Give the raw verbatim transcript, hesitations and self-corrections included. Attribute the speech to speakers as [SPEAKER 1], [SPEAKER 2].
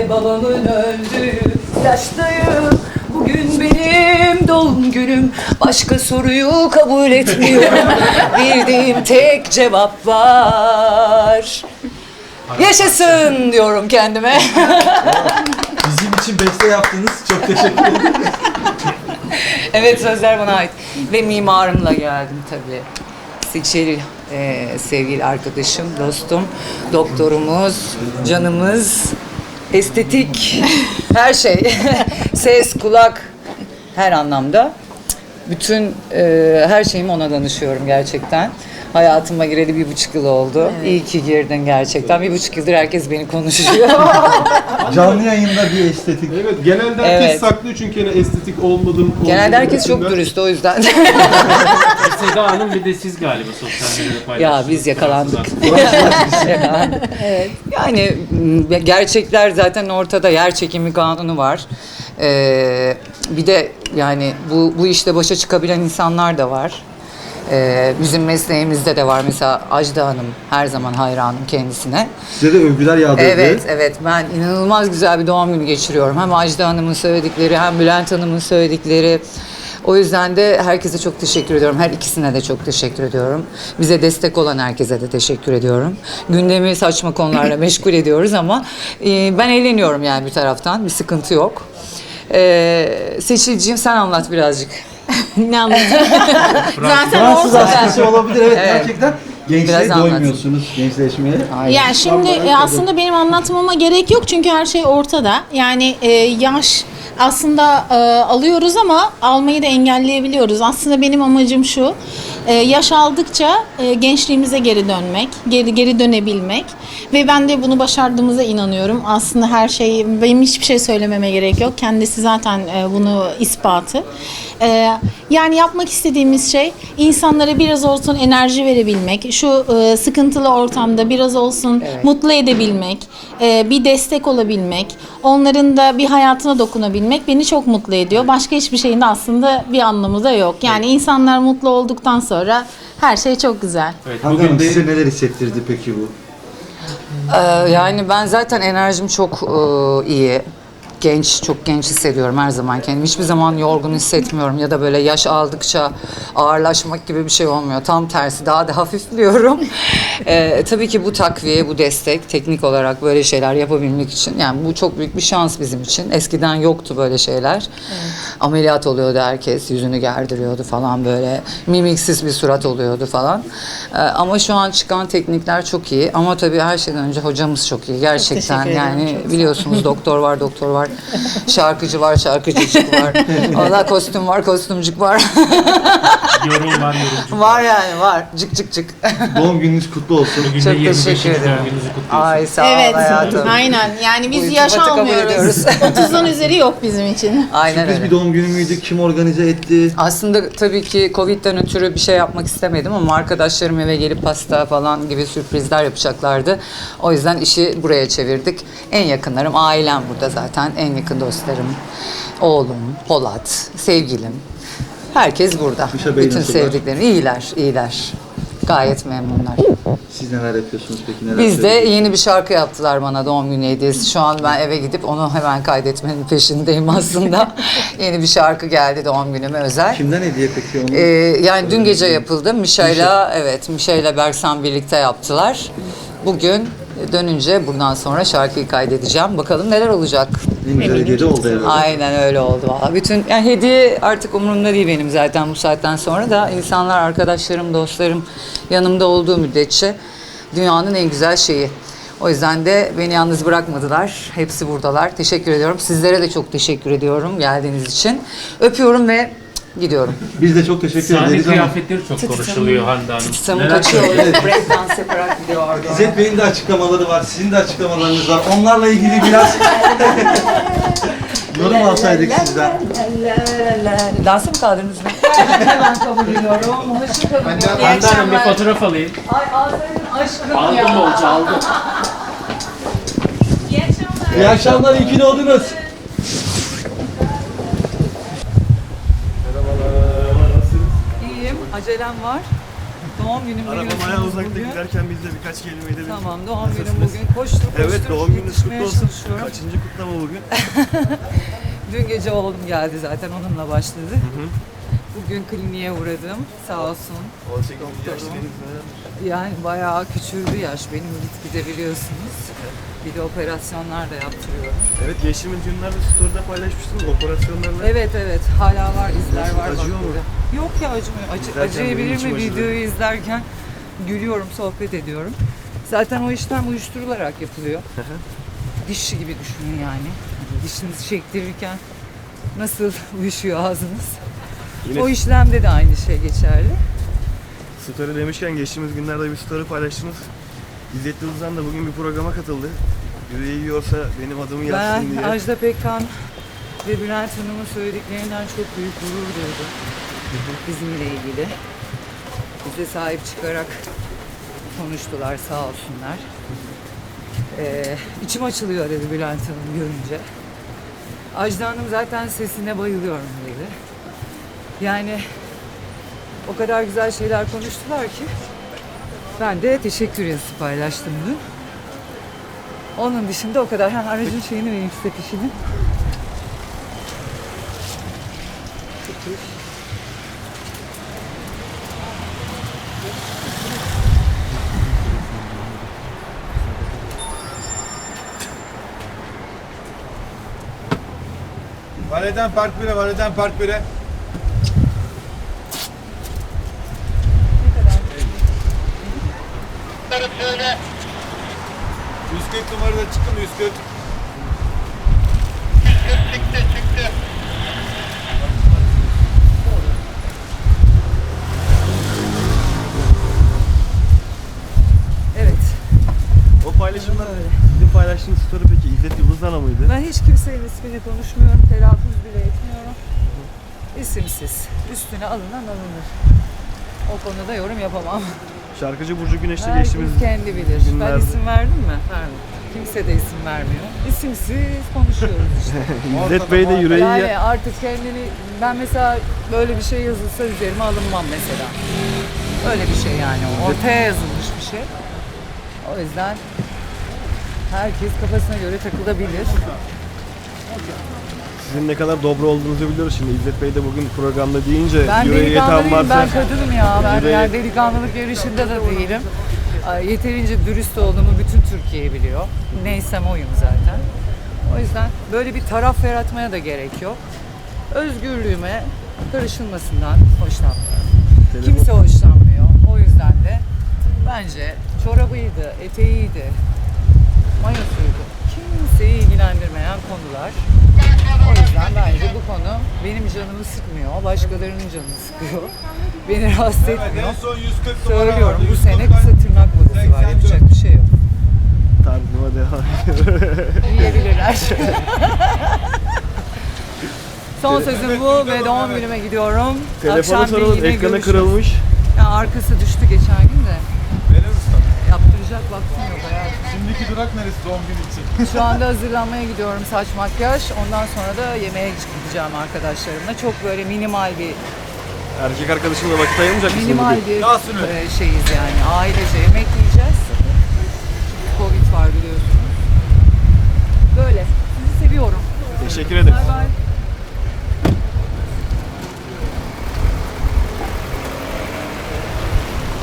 [SPEAKER 1] ve babamın öldüğü yaştayım. Bugün benim doğum günüm. Başka soruyu kabul etmiyorum. Bildiğim tek cevap var. Yaşasın diyorum kendime.
[SPEAKER 2] Bizim için beste yaptınız. Çok teşekkür ederim.
[SPEAKER 1] Evet, sözler bana ait. Ve mimarımla geldim tabii. Seçil, e, sevgili arkadaşım, dostum, doktorumuz, canımız, estetik, her şey. Ses, kulak, her anlamda. Bütün e, her şeyimi ona danışıyorum gerçekten. Hayatıma gireli bir buçuk yıl oldu. Evet. İyi ki girdin gerçekten. Bir buçuk yıldır herkes beni konuşuyor.
[SPEAKER 2] Canlı yayında bir estetik.
[SPEAKER 3] Evet, genelde herkes
[SPEAKER 1] Evet.
[SPEAKER 3] saklıyor çünkü hani estetik olmadım.
[SPEAKER 1] Genelde herkes çok
[SPEAKER 3] olmadım
[SPEAKER 1] dürüst, o yüzden.
[SPEAKER 4] Seda Hanım bir de siz galiba sosyal medyada paylaştınız.
[SPEAKER 1] Ya biz yakalandık. Yakalandık. Evet. Yani m, gerçekler zaten ortada. Yer çekimi kanunu var. Ee, bir de yani bu bu işte başa çıkabilen insanlar da var. Ee, bizim mesleğimizde de var. Mesela Ajda Hanım, her zaman hayranım kendisine.
[SPEAKER 2] Size de övgüler yağdırdı.
[SPEAKER 1] Evet, evet. Ben inanılmaz güzel bir doğum günü geçiriyorum. Hem Ajda Hanım'ın söyledikleri, hem Bülent Hanım'ın söyledikleri. O yüzden de herkese çok teşekkür ediyorum. Her ikisine de çok teşekkür ediyorum. Bize destek olan herkese de teşekkür ediyorum. Gündemi saçma konularla meşgul ediyoruz ama e, ben eğleniyorum yani bir taraftan. Bir sıkıntı yok. E, Seçilciğim, sen anlat birazcık.
[SPEAKER 5] Ne anlatayım? Zaten
[SPEAKER 2] Fransız
[SPEAKER 5] ortada.
[SPEAKER 2] askısı olabilir. Evet,
[SPEAKER 1] Evet.
[SPEAKER 2] gerçekten. Gençliğe
[SPEAKER 1] Biraz anlat.
[SPEAKER 2] doymuyorsunuz, gençleşmeye.
[SPEAKER 1] Aynen.
[SPEAKER 5] Yani şimdi e, aslında benim anlatmama gerek yok çünkü her şey ortada. Yani e, yaş aslında e, alıyoruz ama almayı da engelleyebiliyoruz. Aslında benim amacım şu. e, yaş aldıkça e, gençliğimize geri dönmek, geri geri dönebilmek ve ben de bunu başardığımıza inanıyorum. Aslında her şey, benim hiçbir şey söylememe gerek yok. Kendisi zaten e, bunu ispatı. E, yani yapmak istediğimiz şey insanlara biraz olsun enerji verebilmek, şu e, sıkıntılı ortamda biraz olsun
[SPEAKER 1] Evet.
[SPEAKER 5] mutlu edebilmek, e, bir destek olabilmek, onların da bir hayatına dokunabilmek beni çok mutlu ediyor. Başka hiçbir şeyin de aslında bir anlamı da yok. Yani insanlar mutlu olduktan sonra her şey çok güzel.
[SPEAKER 4] Evet,
[SPEAKER 2] Hangi
[SPEAKER 4] bugün
[SPEAKER 2] Hanım,
[SPEAKER 4] de
[SPEAKER 2] size neler hissettirdi peki bu?
[SPEAKER 1] Ee, yani ben zaten enerjim çok e, iyi. Genç, çok genç hissediyorum her zaman kendimi. Hiçbir zaman yorgun hissetmiyorum ya da böyle yaş aldıkça ağırlaşmak gibi bir şey olmuyor. Tam tersi, daha da hafifliyorum. Ee, tabii ki bu takviye, bu destek, teknik olarak böyle şeyler yapabilmek için, yani bu çok büyük bir şans bizim için. Eskiden yoktu böyle şeyler. Evet. Ameliyat oluyordu herkes, yüzünü gerdiriyordu falan böyle. Mimiksiz bir surat oluyordu falan. Ee, ama şu an çıkan teknikler çok iyi. Ama tabii her şeyden önce hocamız çok iyi. Gerçekten
[SPEAKER 5] teşekkür ederim,
[SPEAKER 1] yani
[SPEAKER 5] çok sağ ol.
[SPEAKER 1] biliyorsunuz doktor var, doktor var. Şarkıcı var, şarkıcıcık var. Allah, kostüm var, kostümcük var.
[SPEAKER 4] yorum var, yorumcu.
[SPEAKER 1] Var yani, var. Cık cık cık.
[SPEAKER 2] Doğum gününüz kutlu olsun.
[SPEAKER 4] Bugün de
[SPEAKER 1] Çok
[SPEAKER 4] yirmi beşinci
[SPEAKER 1] teşekkür ederim.
[SPEAKER 4] doğum gününüzü kutluyorsunuz.
[SPEAKER 1] Ay sağ ol
[SPEAKER 5] Evet,
[SPEAKER 1] hayatım.
[SPEAKER 5] aynen. Yani biz
[SPEAKER 1] Bu
[SPEAKER 5] yaş
[SPEAKER 1] iltifatı kabul
[SPEAKER 5] almıyoruz.
[SPEAKER 1] ediyoruz.
[SPEAKER 5] otuzun üzeri yok bizim için.
[SPEAKER 1] Aynen
[SPEAKER 2] Sürpriz
[SPEAKER 1] öyle.
[SPEAKER 2] bir doğum günü müydü? Kim organize etti?
[SPEAKER 1] Aslında tabii ki Covid'den ötürü bir şey yapmak istemedim ama arkadaşlarım eve gelip pasta falan gibi sürprizler yapacaklardı. O yüzden işi buraya çevirdik. En yakınlarım, ailem burada zaten. En yakın dostlarım, oğlum, Polat, sevgilim. Herkes burada.
[SPEAKER 2] Gülşah Bey
[SPEAKER 1] Bütün
[SPEAKER 2] nasıllar?
[SPEAKER 1] sevdiklerim. İyiler, iyiler. Gayet memnunlar.
[SPEAKER 2] Siz neler yapıyorsunuz peki? Neler
[SPEAKER 1] Biz de
[SPEAKER 2] söylüyorsunuz?
[SPEAKER 1] yeni bir şarkı yaptılar bana doğum günü hediyesi. Şu an ben eve gidip onu hemen kaydetmenin peşindeyim aslında. Yeni bir şarkı geldi doğum günüme özel.
[SPEAKER 2] Kimden hediye peki onu?
[SPEAKER 1] Ee, yani dün gece yapıldı. Mişa'yla, evet, Mişa'yla Berksan birlikte yaptılar. Bugün dönünce buradan sonra şarkıyı kaydedeceğim. Bakalım neler olacak.
[SPEAKER 2] En güzel hediye de oldu herhalde.
[SPEAKER 1] Aynen öyle oldu valla. Bütün yani hediye artık umurumda değil benim zaten bu saatten sonra da, insanlar, arkadaşlarım, dostlarım yanımda olduğu müddetçe dünyanın en güzel şeyi. O yüzden de beni yalnız bırakmadılar. Hepsi buradalar. Teşekkür ediyorum. Sizlere de çok teşekkür ediyorum geldiğiniz için. Öpüyorum ve gidiyorum.
[SPEAKER 2] Biz de çok teşekkür
[SPEAKER 4] Sahne
[SPEAKER 2] ederiz ama
[SPEAKER 4] kıyafetleri çok konuşuluyor Hande Hanım.
[SPEAKER 1] Tutamı
[SPEAKER 4] Neler
[SPEAKER 1] kaçıyor.
[SPEAKER 4] söyleyeceksiniz?
[SPEAKER 1] Break dance yaparak gidiyor.
[SPEAKER 2] İzzet Bey'in de açıklamaları var, sizin de açıklamalarınız var. Onlarla ilgili biraz yorum alsaydık sizden.
[SPEAKER 1] Dansı mı kaldırdınız mı? Hemen kabul ediyorum. Hoşça kalın.
[SPEAKER 4] Hande Hanım bir fotoğraf alayım.
[SPEAKER 1] Ay ağzının aşkım
[SPEAKER 4] Aldım
[SPEAKER 1] ya.
[SPEAKER 4] bolca aldım.
[SPEAKER 2] İyi akşamlar, iyi ki doğdunuz.
[SPEAKER 1] İyiyim. Acelem var. doğum günüm
[SPEAKER 6] Araba
[SPEAKER 1] biliyorsunuz
[SPEAKER 6] bayağı uzakta
[SPEAKER 1] bugün.
[SPEAKER 6] giderken biz de birkaç kelime edelim.
[SPEAKER 1] Tamam, doğum günüm bugün. Koştur koştur
[SPEAKER 6] Evet, doğum gününüz
[SPEAKER 1] yetişmeye
[SPEAKER 6] kutlu olsun.
[SPEAKER 1] çalışıyorum.
[SPEAKER 6] Kaçıncı kutlama bugün?
[SPEAKER 1] Dün gece oğlum geldi zaten, onunla başladı. Bugün kliniğe uğradım, sağ olsun.
[SPEAKER 6] on sekiz yaş deniz neler?
[SPEAKER 1] Yani bayağı küçüldü yaş benim, gitgide biliyorsunuz. Bir de operasyonlar da yaptırıyorum.
[SPEAKER 6] Evet, geçtiğimiz günlerde story'de paylaşmıştınız operasyonlarla.
[SPEAKER 1] Evet evet, hala var, izler var. bak
[SPEAKER 6] Acıyor mu?
[SPEAKER 1] burada. Yok ya, acımıyor. Acı,
[SPEAKER 6] İzlerken
[SPEAKER 1] acıyabilir
[SPEAKER 6] benim içim
[SPEAKER 1] mi?
[SPEAKER 6] acıdı.
[SPEAKER 1] Videoyu izlerken gülüyorum, sohbet ediyorum. Zaten o işlem uyuşturularak yapılıyor. Dişçi gibi düşünün yani. Dişinizi çektirirken nasıl uyuşuyor ağzınız.
[SPEAKER 6] Yine
[SPEAKER 1] O işlemde de aynı şey geçerli.
[SPEAKER 6] story demişken geçtiğimiz günlerde bir story paylaştınız. İzzet Yıldızhan da bugün bir programa katıldı. Yüreği yiyorsa benim adımı yazsın
[SPEAKER 1] Ben
[SPEAKER 6] diye.
[SPEAKER 1] Ajda Pekkan ve Bülent Hanım'ın söylediklerinden çok büyük gurur duydum. Bizimle ilgili. Bize sahip çıkarak konuştular, sağ olsunlar. Ee, içim açılıyor dedi Bülent Hanım görünce. Ajda Hanım zaten sesine bayılıyorum dedi. Yani o kadar güzel şeyler konuştular ki ben de teşekkür yazısı paylaştım dün. Onun dışında o kadar. Ha, aracın şeyini vereyim size, fişini.
[SPEAKER 7] Valeden Park bire, Valeden Park bire. yüz kırk numarada çıktı mı? yüz kırk.
[SPEAKER 1] Evet.
[SPEAKER 6] O paylaşımlar, sizin paylaştığınız story peki İzzet Yıldızhan'a mıydı?
[SPEAKER 1] Ben hiç kimsenin ismini konuşmuyorum. Telaffuz bile etmiyorum. İsimsiz. Üstüne alınan alınır. O konuda yorum yapamam.
[SPEAKER 6] Şarkıcı Burcu Güneş'te
[SPEAKER 1] Herkes
[SPEAKER 6] geçtiğimiz
[SPEAKER 1] kendi bilir. Ben
[SPEAKER 6] günlerde-
[SPEAKER 1] isim verdim mi? Verdim. Kimse de isim vermiyor. İsimsiz konuşuyoruz işte.
[SPEAKER 6] İzzet Bey de yüreği
[SPEAKER 1] Yani
[SPEAKER 6] ya-
[SPEAKER 1] artık kendini, ben mesela böyle bir şey yazılsa üzerime alınmam mesela. Öyle bir şey yani. Ortaya yazılmış bir şey. O yüzden herkes kafasına göre takılabilir.
[SPEAKER 6] Sizin ne kadar dobra olduğunuzu biliyoruz şimdi. İzzet Bey de bugün programda deyince
[SPEAKER 1] Ben
[SPEAKER 6] yüreği yeten
[SPEAKER 1] delikanlıyım,
[SPEAKER 6] varsa
[SPEAKER 1] ben kadınım ya. Ben
[SPEAKER 6] yüreği-
[SPEAKER 1] yani delikanlılık yarışında da değilim. Ay, Yeterince dürüst olduğumu bütün Türkiye biliyor. Neysem oyum zaten. O yüzden böyle bir taraf yaratmaya da gerek yok. Özgürlüğüme karışılmasından hoşlanmıyorum.
[SPEAKER 6] Telefon-
[SPEAKER 1] Kimse hoşlanmıyor. O yüzden de bence çorabıydı, eteğiydi, mayosuydu. Kimseyi ilgilendirmeyen konular. O yüzden bence bu konu benim canımı sıkmıyor, başkalarının canını sıkıyor. Beni rahatsız etmiyor.
[SPEAKER 7] En son yüz kırk numara
[SPEAKER 1] Söylüyorum,
[SPEAKER 7] vardı,
[SPEAKER 1] bu
[SPEAKER 7] yüz
[SPEAKER 1] sene
[SPEAKER 7] kırk
[SPEAKER 1] kısa tırnak modası var, yapacak bir şey yok.
[SPEAKER 6] tarzıma devam ediyor.
[SPEAKER 1] Yiyebilirler. Son sözüm bu ve doğum günüme gidiyorum.
[SPEAKER 6] Telefonu
[SPEAKER 1] Akşam bir
[SPEAKER 6] soralım,
[SPEAKER 1] yine
[SPEAKER 6] ekranı
[SPEAKER 1] görüşürüz.
[SPEAKER 6] kırılmış.
[SPEAKER 1] Ya arkası düştü geçen gün de.
[SPEAKER 7] Verir misin?
[SPEAKER 1] Yaptıracak vaktim yok hayatım.
[SPEAKER 7] Şimdiki durak neresi doğum günü için?
[SPEAKER 1] Şu anda hazırlanmaya gidiyorum, saç makyaj. Ondan sonra da yemeğe gideceğim arkadaşlarımla. Çok böyle minimal bir
[SPEAKER 6] Erkek arkadaşımla vakit ayırmayacak mısın
[SPEAKER 1] minimal
[SPEAKER 6] bugün?
[SPEAKER 1] bir
[SPEAKER 7] Yasin'im.
[SPEAKER 1] e, şeyiz yani. Ailece yemek yiyeceğiz. Çünkü Covid var biliyorsunuz. Böyle. Sizi seviyorum.
[SPEAKER 6] Teşekkür ederim.
[SPEAKER 1] Bay bay.